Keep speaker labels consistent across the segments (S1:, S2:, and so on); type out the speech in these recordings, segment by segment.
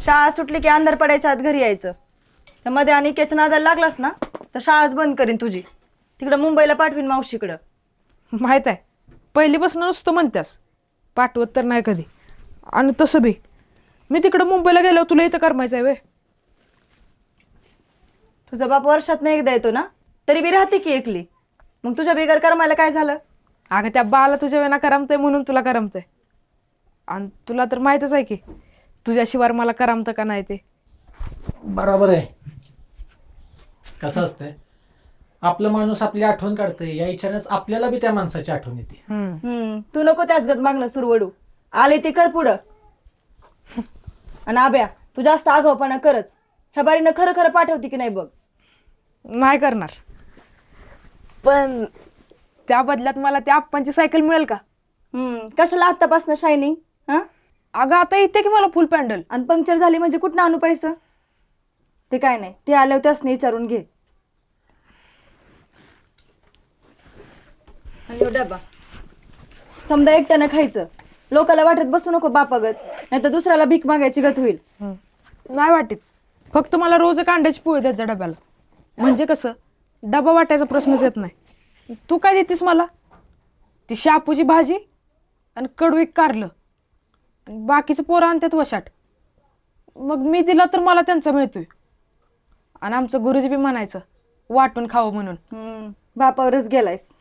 S1: शाळा सुटली की अंधार पडायच्या आत घरी यायचं. त्यामध्ये आणि केच्या नादाला लागलास ना तर शाळाच बंद करीन तुझी. तिकडं मुंबईला पाठवीन मावशीकडं.
S2: माहित आहे, पहिलीपासून नुसतं म्हणत्यास, पाठवत तर नाही कधी. आणि तसं बी मी तिकडं मुंबईला गेल्यावर तुला इथं करमायचं आहे वे.
S1: तुझा बाप वर्षात नाही एकदा येतो ना, तरी बी राहते की एकली. मग तुझ्या बिगर करमायला काय झालं?
S2: अगं त्या बाला तुझ्या वेळेला करमतंय म्हणून तुला करमतंय. आणि तुला तर माहीतच आहे की तुझ्याशिवाय मला करमतं का नाही ते.
S3: बरोबर आहे. कसं असतंय, आपलं माणूस आपली आठवण काढतंय, या इच्छानेच आपल्याला बी त्या माणसाची आठवण येते.
S1: तू नको त्याच गत मागणं सुरवडू. आले ते कर पुढं. आणि आब्या, तू जास्त आगाऊपणा करच. ह्या बारीनं खरं खरं पाठवते की नाही बघ.
S2: नाही करणार, पण त्या बदल्यात मला त्या आप्पांची सायकल मिळेल का?
S1: कशाला आत्तापासून शायनिंग? हा,
S2: अगं आता येते की मला फुल पॅन्डल.
S1: आणि पंक्चर झाली म्हणजे कुठं आणू पैसा? ते काय नाही, ते आल्यावर त्यासनी विचारून घे. आणि ह्यो डबा समजा एकट्यानं खायचं. लोकाला वाटत बसू नको बापागत, नाही तर दुसऱ्याला भीक मागायची गत होईल.
S2: नाही वाटत, फक्त मला रोज एक अंड्याची पोळी द्यायचा डब्याला. म्हणजे कसं डबा वाटायचा प्रश्नच येत नाही. तू काय देतेस मला? ती शापूची भाजी आणि कडू एक कारलं आणि बाकीचं पोरं आणतात वशाट. मग मी दिला तर मला त्यांचा मिळतोय. आणि आमचं गुरुजी बी म्हणायचं वाटून खावं म्हणून.
S1: बापावरच गेलायस.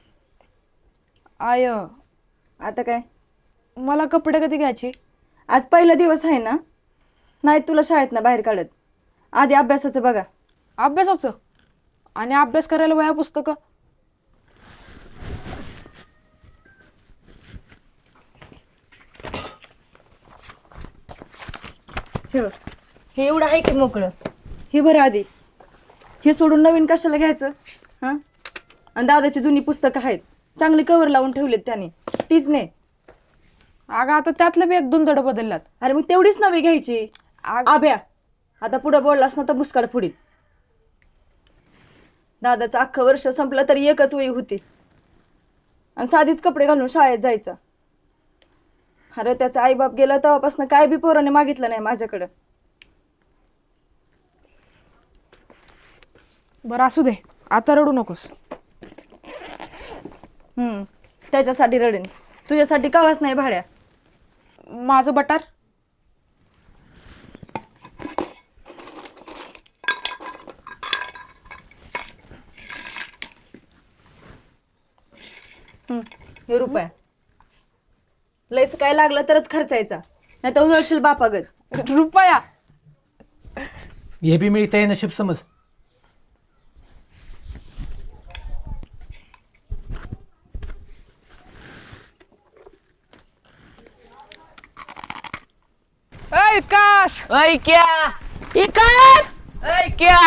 S2: आय
S1: आता काय?
S2: मला कपडे कधी घ्यायचे?
S1: आज पहिला दिवस आहे ना, नाही तुला शाळेत ना बाहेर काढत. आधी अभ्यासाचं बघा.
S2: अभ्यासाचं? आणि अभ्यास करायला वह्या पुस्तकं?
S1: हे एवढं आहे की मोकळं. हे बरं आधी. हे सोडून नवीन कशाला घ्यायचं? हा, आणि दादाची जुनी पुस्तकं आहेत, चांगली कवर लावून ठेवलेत त्याने, तीच ने.
S2: अगं आता त्यातलं बी एक दोन धडं बदलल्यात.
S1: अरे मग तेवढीच नवी घ्यायची. आभ्या, आता पुढं बोललास ना तर मुस्काड फुडील. दादाचं अख्खं वर्ष संपलं तरी एकच वही होती, आणि साधीच कपडे घालून शाळेत जायचा. अरे त्याचा आईबाप गेला तेव्हापासून काय बी पोराने मागितलं नाही माझ्याकडं.
S2: बरं असू दे, आता रडू नकोस.
S1: त्याच्यासाठी रडेन, तुझ्यासाठी कावाच नाही भाड्या.
S2: माझं बटार
S1: हे रुपया लयच काय लागलं तरच खर्चायचा, नाही तर उजळशील बापागत.
S2: रुपया
S3: हे बी मिळतंय नशीब समज.
S2: विकास
S4: क्या इकास क्या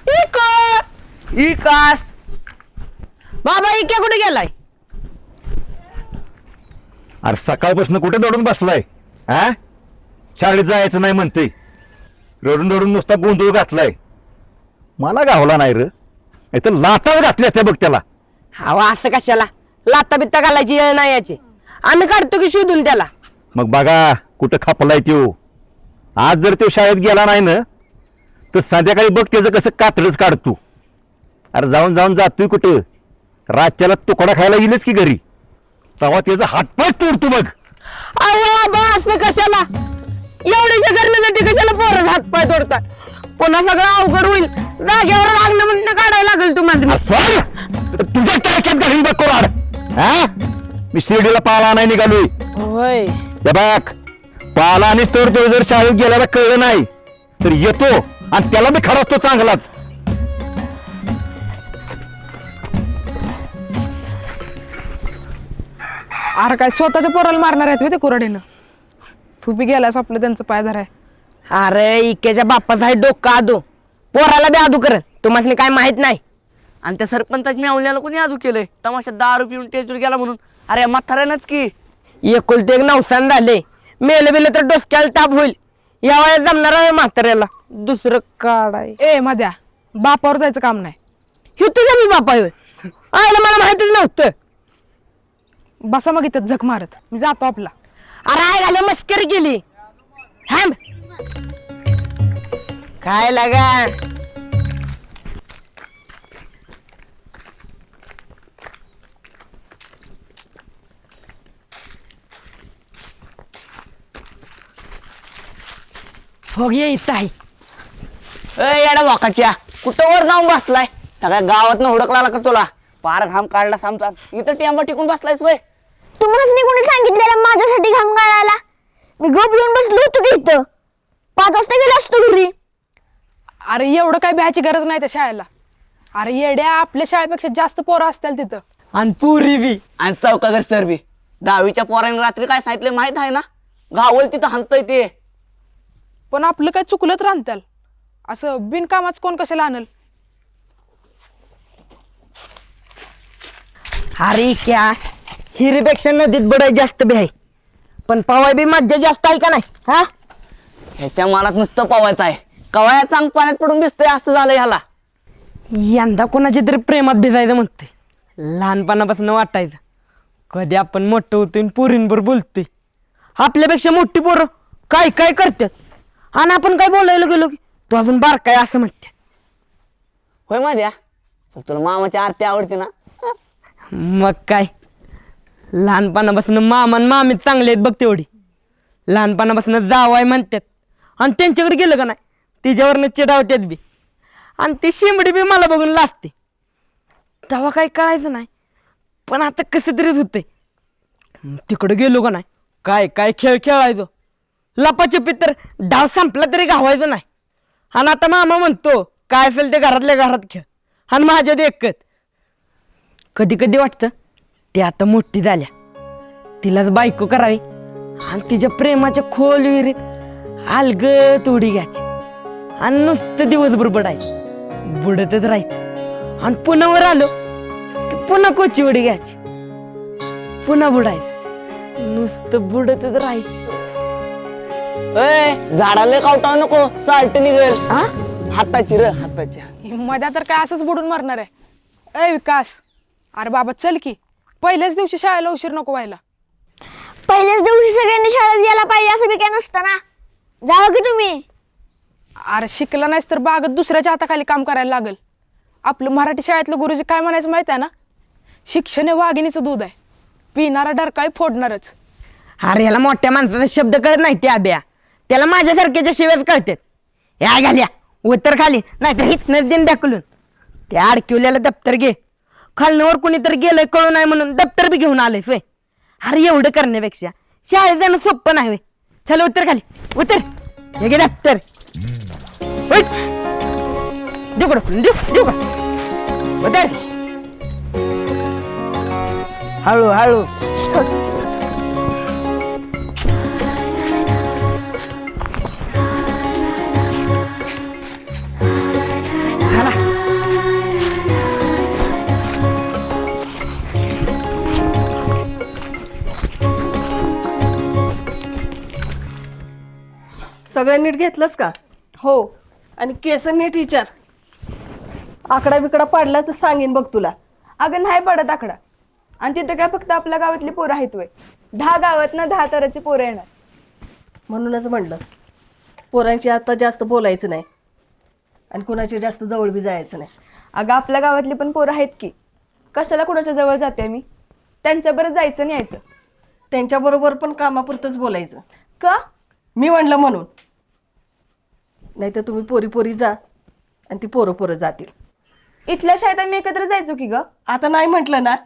S4: इकास बाबा इक्या कुठे गेलाय?
S5: अरे सकाळपासून कुठे दौडून बसलाय? हा, शाळेत जायचं नाही म्हणते, रडून रडून नुसता गोंधळ घातलाय. मला गावला नाही र, नाही तर लातावर घातल्या त्या बघ त्याला.
S4: हवा असं कशाला? लाता बित्ता घालायची वेळ नाही याची. आम्ही काढतो की शोधून त्याला.
S5: मग बघा कुठं खपलाय त्यो. आज जर तो शाळेत गेला नाही ना तर संध्याकाळी बघ त्याचं कसं कातडच काढतो. अरे जाऊन जाऊन जातोय कुठं? रातच्याला तुकडा खायला येईलच की घरी, तेव्हा त्याचा हातपाय तोडतो बघ.
S4: बाबा असं कशाला? एवढ्याच्या करण्यासाठी कशाला पोरं हातपाय तोडतात? पुन्हा सगळं अवघड होईल. जागेवर लागणं म्हणणं काढायला लागेल तुम्हाला.
S5: तुझ्या टाक्यात घालीन बघ कोराड. हा, मी शिर्डीला पाला नाही निघालोय.
S4: होय
S5: हे बघ, पाला आणि तर तो जर शाळेत गेल्याला कळलं नाही तर येतो आणि त्याला मी खराच तो चांगलाच.
S2: अरे काय स्वतःच्या पोराला मारणार आहेत ते कुऱ्हाडीनं? तू बी गेलास आपलं त्यांचं पायधार आहे.
S4: अरे इक्याच्या बाप्पाचा आहे डोकं आदू, पोराला बी आदू करल. तुम्हाला काय माहित नाही?
S6: आणि त्या सरपंचाच्या मेवण्याला कोणी आजू केलंय? तमाशा दारू पिऊन टेजूर गेला म्हणून. अरे म्हाताऱ्यानंच की.
S4: एकुलते एक नवसान झाले. मेले बिले तर डोसक्याला ताप होईल. या वयात जमणार आहे म्हाताऱ्याला दुसरं काढाय.
S2: ए मध्या, बापावर जायचं काम नाही.
S4: हे तुझ्या मी बापा होय? आयला मला माहितच नव्हतं.
S2: बसा मग इथं झक मारत, मी जातो आपला.
S4: अरे आय घाले मस्करी केली. थांब. काय लागा हो गे इथं आहे.
S6: येडा वाकाच्या कुठं वर जाऊन बसलाय सगळ्या गावात हुडकला का तुला पार घाम काढला समजा इथं टेंबा टिकून बसलायस वय
S7: तुम्हाला कोणी सांगितलेलं माझ्यासाठी घाम गाळायला? मी गप येऊन बसलो होतो की इथं 5 वाजता गेलो असतो घरी.
S2: अरे एवढं काय भ्यायची गरज नाही त्या शाळेला. अरे येड्या आपल्या शाळेपेक्षा जास्त पोरं असतील तिथं.
S4: आणि पुरी बी
S6: आणि चौकागर सर बी 10वीच्या पोरांनी रात्री काय सांगितलं माहित आहे ना गावल तिथं हाणतय ते
S2: पण आपलं काय चुकलं तर आणत्याल असं बिनकामाच कोण कशाला आणल.
S4: अरे क्या हिरीपेक्षा नदीत बडाई जास्त बी आहे पण पवाय बी मज्जा जास्त आहे का नाही हा.
S6: ह्याच्या मनात नुसतं पवायचं आहे कवाया चांग पाण्यात पडून भिजतंय असं झालं ह्याला
S4: यंदा कोणाच्या तरी प्रेमात भिजायचं म्हणतोय. लहानपणापासून वाटायचं कधी आपण मोठं होतोय आणि पोरींवर बोलतोय. आपल्यापेक्षा मोठी पोरं काय काय करतात आणि आपण काय बोलायला गेलो की तू अजून बारकाय असं म्हणते.
S6: होय माझ्या तुला मामाची आरती आवडते ना
S4: मग काय लहानपणापासून मामा आणि मामी चांगले आहेत बघ तेवढी. लहानपणापासून जावाय म्हणतात आणि त्यांच्याकडे गेलं का नाही तिच्यावरनं चिडावतात बी आणि ती शिंबडी बी मला बघून लाजते. तेव्हा काही कळायचं नाही पण आता कसं तरीच होतंय. तिकडे गेलो का नाही काय काय खेळ खेळायचो. लपाछपी तर डाव संपला तरी गावायचो नाही. आणि आता मामा म्हणतो काय असेल ते घरातल्या घरात खेळ आणि माझ्यात एकच. कधी कधी वाटतं ती आता मोठी झाल्या तिलाच बायको करावी आणि तिच्या प्रेमाच्या खोल विहिरीत अलगत उडी घ्यायची आणि नुसतं दिवसभर बुडायचं बुडतच राहायचं आणि पुन्हा वर आलो की पुन्हा कोची उडी घ्यायची पुन्हा बुडायचं नुसतं बुडतच राहायचं.
S6: झाडाला कावटाव नको साल्ट निघेल हाताची र हाताची
S2: मध्ये तर काय असंच बुडून मरणार आहे. ए विकास अरे बाबा चल की पहिल्याच दिवशी शाळेला उशीर नको व्हायला.
S7: पहिल्याच दिवशी सगळ्यांनी शाळेत यायला पाहिजे असं बी काय नसतं ना. जावं की तुम्ही.
S2: अरे शिकला नाहीस तर बागत दुसऱ्याच्या हाताखाली काम करायला लागल. आपलं मराठी शाळेतलं गुरुजी काय म्हणायचं माहिती आहे ना शिक्षण हे वाघिणीचं दूध आहे पिणारा डरकाळी फोडणारच.
S4: अरे याला मोठ्या माणसाचा शब्द कळत नाही ते आब्या त्याला माझ्यासारख्याच्या शिव्याच कळतात. या घाल्या उत्तर खाली नाही तर हितनच दिन ढकलून त्या अडकिवल्याला दप्तर घे खालनवर कुणीतरी गेलंय कळू नाही म्हणून दप्तर बी घेऊन आलंय सोय. अरे एवढं करण्यापेक्षा शाळेत जाणं सोपं नाही. चल उत्तर खाली उत्तर हे घे दप्तर देऊ कडं देऊ का उत्तर हळू हळू. झाला
S8: सगळं नीट घेतलंस का?
S1: हो.
S8: आणि केस नीट विचार. आकडा बिकडा पाडला तर सांगेन बघ तुला.
S1: अगं नाही पडत आकडा आणि तिथं काय फक्त आपल्या गावातली पोरं आहेत वय 10 गावातनं 10 तराची पोरं येणार.
S8: म्हणूनच म्हणलं पोरांची आता जास्त बोलायचं नाही आणि कुणाची जास्त जवळ बी जायचं नाही.
S1: अगं आपल्या गावातली पण पोरं आहेत की कशाला कुणाच्या जवळ जाते मी. त्यांच्याबरोबर जायचं आणि यायचं.
S8: त्यांच्याबरोबर पण कामापुरतंच बोलायचं.
S1: का?
S8: मी म्हणलं म्हणून. नाही तर तुम्ही पोरी पोरी जा आणि ती पोरं पोरं जातील.
S1: इथल्या शाळेत आम्ही एकत्र जायचो की ग.
S8: आता नाही म्हटलं ना.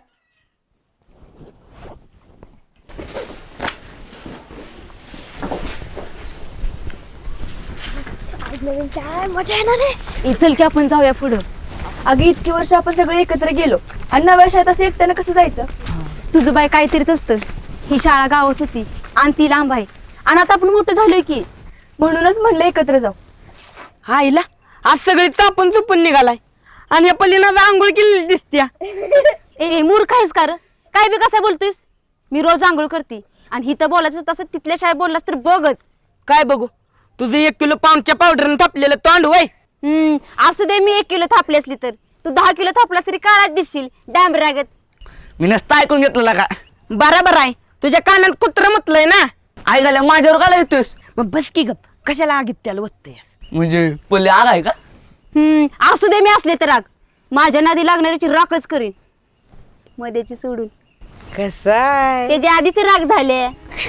S7: मजा येणार आहे.
S1: इचल की आपण जाऊया पुढं. अगं इतकी वर्ष आपण सगळे एकत्र गेलो आणि नव्या शाळेत असं एकट्यानं कसं जायचं.
S9: तुझं बाय काहीतरीच असतं. ही शाळा गावात होती आणि ती लांब आहे आणि आता आपण मोठं झालोय की
S1: म्हणूनच म्हणलं एकत्र जाऊ.
S4: आईला आज सगळी चापून चुपून निघालाय आणि या पल्लीनं आंघोळ केलेली दिसत्या.
S9: ए मूर्ख आहेस का रे? काय बी कसं बोलतोयस. मी रोज आंघोळ करते आणि हिथं बोलायचं तसं तिथल्या शाळेत बोललास तर बघच.
S4: काय बघू तुझं 1 किलो पाऊंडच्या पावडरनं थापलेलं तोंड वय.
S9: असू दे मी 1 किलो थापली असली तर तू 10 किलो थापलास तरी काळात दिसशील डॅम रागत.
S6: मी नसतं ऐकून घेतलं का
S4: बरोबर आहे तुझ्या कानात कुत्र म्हटलंय ना.
S6: आई झाल्या माझ्यावर का येतोस
S4: मग बस की गप कशाला आगीत त्याला वत्तयस.
S6: म्हणजे पल्ले आग आहे का?
S9: असू दे, मी असले तर राग. माझ्या नादी लागणाऱ्याची राखच करीन, मध्याची सोडून.
S4: कसाय
S9: त्याच्या आधीच राग झाले.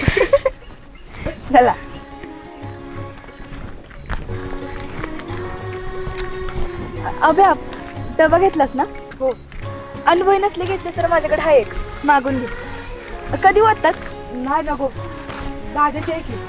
S1: चला. अभ्या, डबा घेतलास ना? हो. अनुभव नसले घेतलेस तर माझ्याकडे आहे एक, मागून घे. कधी वाटताच?
S2: नाही नको, दादाची आहे की.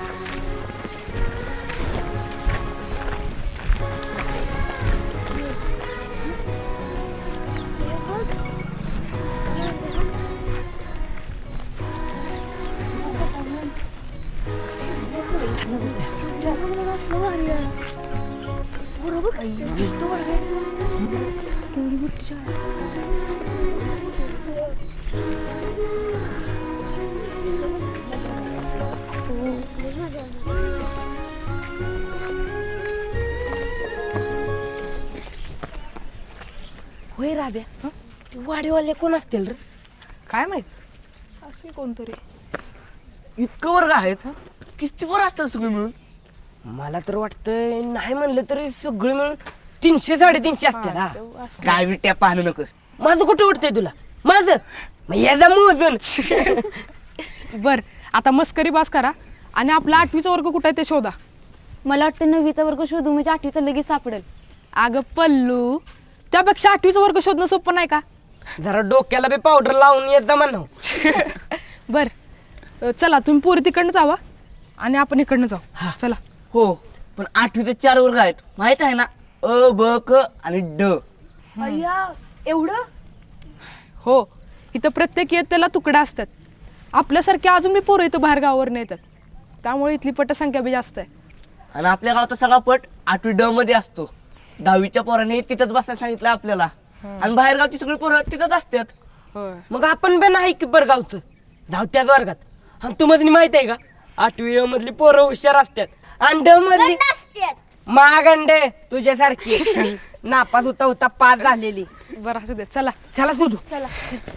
S4: होय राब्या, वाडीवाले कोण असतील रे?
S2: काय माहित, असेल कोणतरी.
S6: इतकं वर्ग आहेत? किती वर असतात सगळे मिळून?
S4: मला तर वाटतंय नाही म्हणलं तरी सगळे मिळून 300-350 असतील. हा.
S6: काय बिट्या पाहणं नकोस.
S4: माझं कुठं वाटतंय तुला? माझं मग याचा मोजून.
S2: बर, आता मस्करी बास करा आणि आपला 8वीचा वर्ग कुठं आहे ते शोधा.
S9: मला वाटतं 9वीचा वर्ग शोधू म्हणजे 8वीचा लगेच सापडेल.
S2: अगं पल्लू, त्यापेक्षा 8वीचा वर्ग शोधणं सोपं नाही का?
S4: जरा डोक्याला बी पावडर लावून येत जा म्हणा.
S2: बर, चला तुम्ही पोरी तिकडनं जावा आणि आपण इकडनं जाऊ. चला.
S6: हो, पण 8वीचे 4 वर्ग आहेत माहित आहे ना? अ, ब, क आणि ड.
S1: अय्या, एवढं?
S2: हो, इथं प्रत्येक इयत्तेला तुकडा असतात. आपल्यासारखे अजून मी पोरं इथं बाहेर गावावरून येतात, त्यामुळे इथली पटसंख्या बी जास्त आहे.
S6: आणि आपल्या गावचा सगळा पट 8वी ड मध्ये असतो. 10वीच्या पोरांनी तिथंच बसायला सांगितलं आपल्याला, आणि बाहेर गावची सगळी पोरं तिथंच असतात.
S2: होय.
S4: मग आपण बी नाही की बरं गावचं धावत्याच वर्गात. आणि तुम्हाला माहित आहे का, 8वी मधली पोरं हुशार असतात आणि ड मधली मागंडे तुझ्यासारखी नापास होता होता पास झालेली.
S2: बरं, असू दे, चला.
S4: चला सुधू.
S1: चला.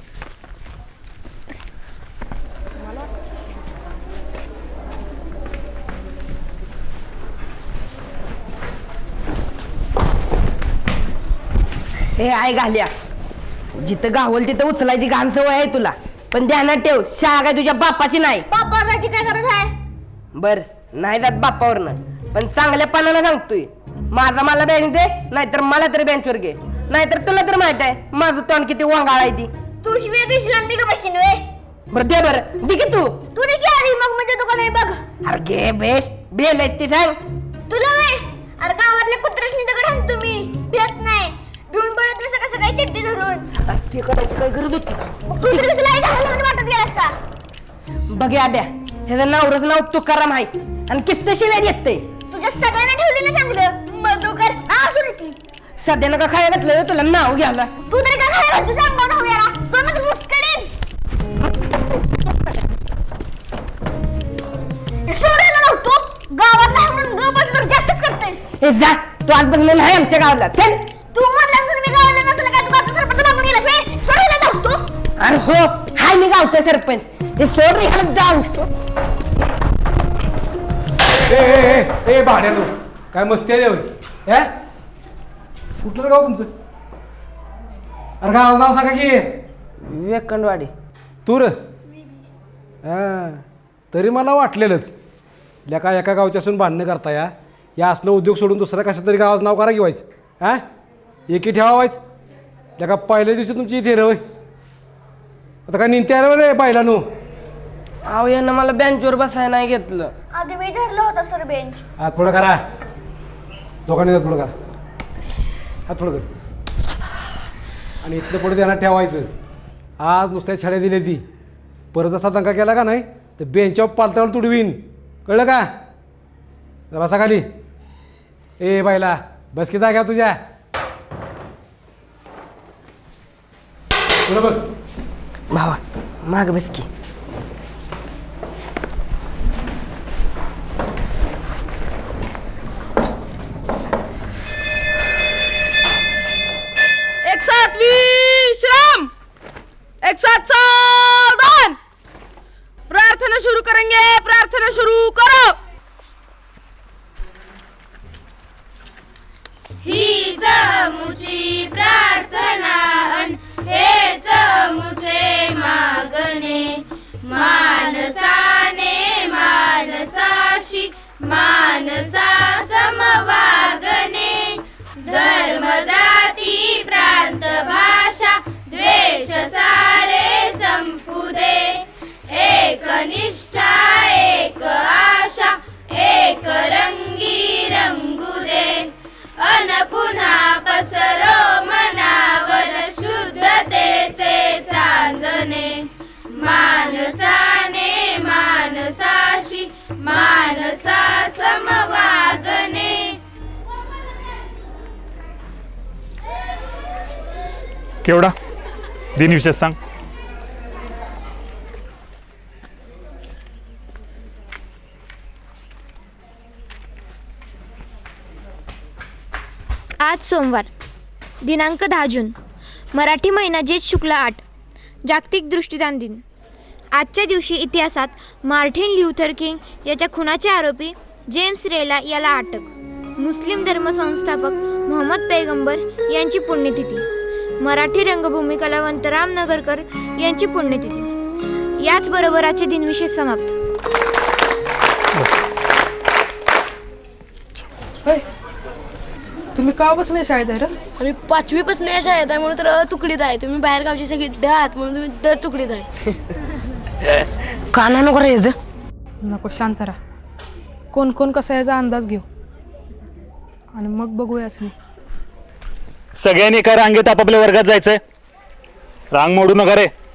S4: हे आहे घाल्या, जिथं गावल तिथं उचलायची घाण सवय आहे तुला, पण ध्यानात ठेव, शाळा काय तुझ्या बापाची नाही.
S7: बापाची काय गरज आहे?
S4: बर, नाही जात बापावरनं, पण चांगल्या पानानं सांगतोय, माझा मला बेंच दे, नाहीतर मला तरी बेंचवर घे, नाहीतर तुला तर माहित आहे माझं तोंड किती वांगाळ आहे ती.
S7: तू शिवाय दिसला मी का बशीन वे?
S4: बरं दे, बरं दे की तू.
S7: तू नाही की आधी मग म्हणजे तुका नाही बघ.
S4: अरे घे बेस, बेल आहे ती सांग.
S7: तुला वे? अरे गावातल्या कुत्र्याशनी दगड हाण तुम्ही भेट नाही भिवून पडत नाही सकाळ सकाळी चिट्टी धरून.
S4: ते करायची काय गरज होती?
S7: तू तरी कसं लाईट घालून वाटत गेलास का?
S4: बघ आद्या, ह्याचं नावरच नाव तुकाराम आहे आणि किस्त शिवाय येते.
S7: तुझ्या सगळ्यांना ठेवलेलं चांगलं मधुकर असू की
S4: सध्या नका खायला घातलं तुला नाव घ्यायला.
S7: तू तरी काय खायला तुझा अंगावर नाव याला सोनच मुस्कडीन. सोडायला नव्हतो गावात नाही म्हणून गपच तर जास्तच करतेस.
S4: हे जा, तू आज बघलं नाही आमच्या गावाला. चल.
S7: तू म्हणला म्हणून मी गावाला नसलं काय तू गावचा सरपंच लागून गेलास वे? सोडायला नव्हतो.
S4: अरे हो, हाय मी गावचा सरपंच. हे सोड रे, ह्याला जाऊ.
S10: ए भाड्यानो, काय मस्ती आहे रे? कुठलं गाव तुमचं? अरे गाव नाव सांगा की.
S4: वेकंडवाडी.
S10: तू र तरी मला वाटलेलंच काय एका गावच्या असून बांधणं करता या असलं उद्योग सोडून दुसऱ्या कशा तरी गावाचं नाव करा घेवायचं. हा, एकी ठेवायचं का पहिल्या दिवशी तुमची इथे रवय. आता काय निंत्या रे बायलानो.
S4: अहो यानं मला बेंचवर बसायला नाही घेतलं.
S7: आधी मी धरलं होतं सर बेंच.
S10: हात पुढं करा, दोघांनी हात पुढं करा, हात पुढं कर. आणि इथलं पुढे त्यांना ठेवायचं. आज नुसत्या छड्या दिल्या ती, परत असा दंगा केला का नाही तर बेंचवर पालतावर तुडवीन, कळलं का? बसा खाली. ए बायला बस की जाग्या तुझ्या. पुढं बघ.
S4: भावा माग बस की.
S2: एक साथ विश्राम, एक साथ सावधान. प्रार्थना शुरू करेंगे, प्रार्थना शुरू करो.
S9: अमुची प्रार्थना अन हेच अमुचे मागणे मानसाने मानसाशी मानसा समवागणे धर्म जाती प्रांत भाषा द्वेष सारे संपू दे एक निष्ठा एक आशा एक रंगी रंगू दे अन पुन्हा पसरो मनावर शुद्धतेचे चांदणे मानसाने मानसाशी मानसा समवागणे.
S11: केवढा दिनविशेष सांग.
S7: आज सोमवार दिनांक 10 जून मराठी महिना ज्येष्ठ शुक्ल 8 जागतिक दृष्टिदान दिन. आजच्या दिवशी इतिहासात मार्टिन ल्यूथर किंग याच्या खुनाचे आरोपी जेम्स रेला याला अटक. मुस्लिम धर्मसंस्थापक मोहम्मद पैगंबर यांची पुण्यतिथी. मराठी रंगभूमी कलावंत राम नगरकर यांची पुण्यतिथी. याचबरोबर आजचे दिनविशेष समाप्त.
S2: तुम्ही केव्हापासून या शाळेत आहे रे?
S9: आम्ही 5वी पासून या शाळेत आहे म्हणून तर तुकडीत आहे. तुम्ही बाहेर गावची सगळी ड आहात म्हणून तुम्ही दर तुकडीत आहे.
S6: काना नको रे याचं.
S2: नको, शांत राहा. कोण कोण कसा याचा अंदाज घेऊ आणि मग बघूया मी.
S11: सगळ्यांनी एका रांगेत आपापल्या वर्गात जायचंय. रांग मोडू नका रे.